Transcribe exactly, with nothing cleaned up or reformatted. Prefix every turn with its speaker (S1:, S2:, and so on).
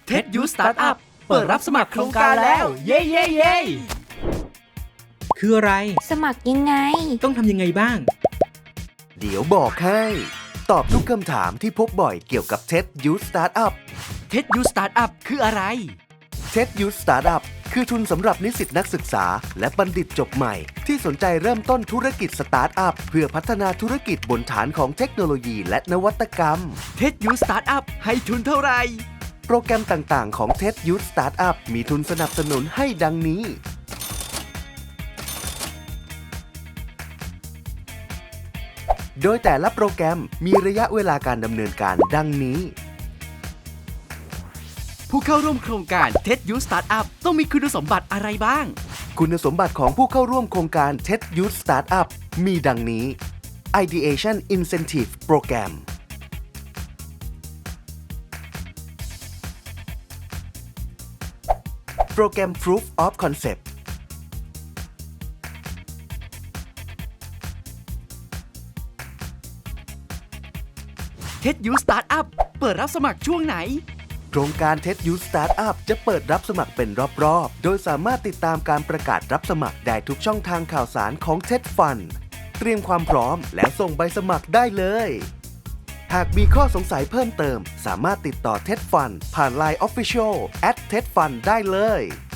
S1: เท็ดยูสตาร์ทอัพเปิดรับสมัครโครงการแล้วเย้เย้เย้
S2: คืออะไร
S3: สมัครยังไง
S2: ต้องทำยังไงบ้าง
S4: เดี๋ยวบอกให้ ตอบทุกคำถามที่พบบ่อยเกี่ยวกับ TED Youth Startup
S1: เท็ดยูสตาร์ทอัพคืออะไร
S4: TED Youth Startup คือทุนสำหรับนิสิตนักศึกษาและบัณฑิตจบใหม่ที่สนใจเริ่มต้นธุรกิจสตาร์ทอัพเพื่อพัฒนาธุรกิจบนฐานของเทคโนโลยีและนวัตกรรม
S1: เท็ดยูสตาร์ทอัพให้ทุนเท่าไหร่
S4: โปรแกรมต่างๆของ TED Youth Startup มีทุนสนับสนุนให้ดังนี้โดยแต่ละโปรแกรมมีระยะเวลาการดำเนินการดังนี้
S1: ผู้เข้าร่วมโครงการ TED Youth Startup ต้องมีคุณสมบัติอะไรบ้าง
S4: คุณสมบัติของผู้เข้าร่วมโครงการ TED Youth Startup มีดังนี้ Ideation Incentive Program โปรแกรม Proof of Concept
S1: TED Youth Startup เปิดรับสมัครช่วงไหน
S4: โครงการ TED Youth Startup จะเปิดรับสมัครเป็นรอบๆ โดยสามารถติดตามการประกาศรับสมัครได้ทุกช่องทางข่าวสารของ TED Fund เตรียมความพร้อมแล้วส่งใบสมัครได้เลย หากมีข้อสงสัยเพิ่มเติมสามารถติดต่อ TED Fund ผ่าน ไลน์ Official แอท เท็ดฟัน ได้เลย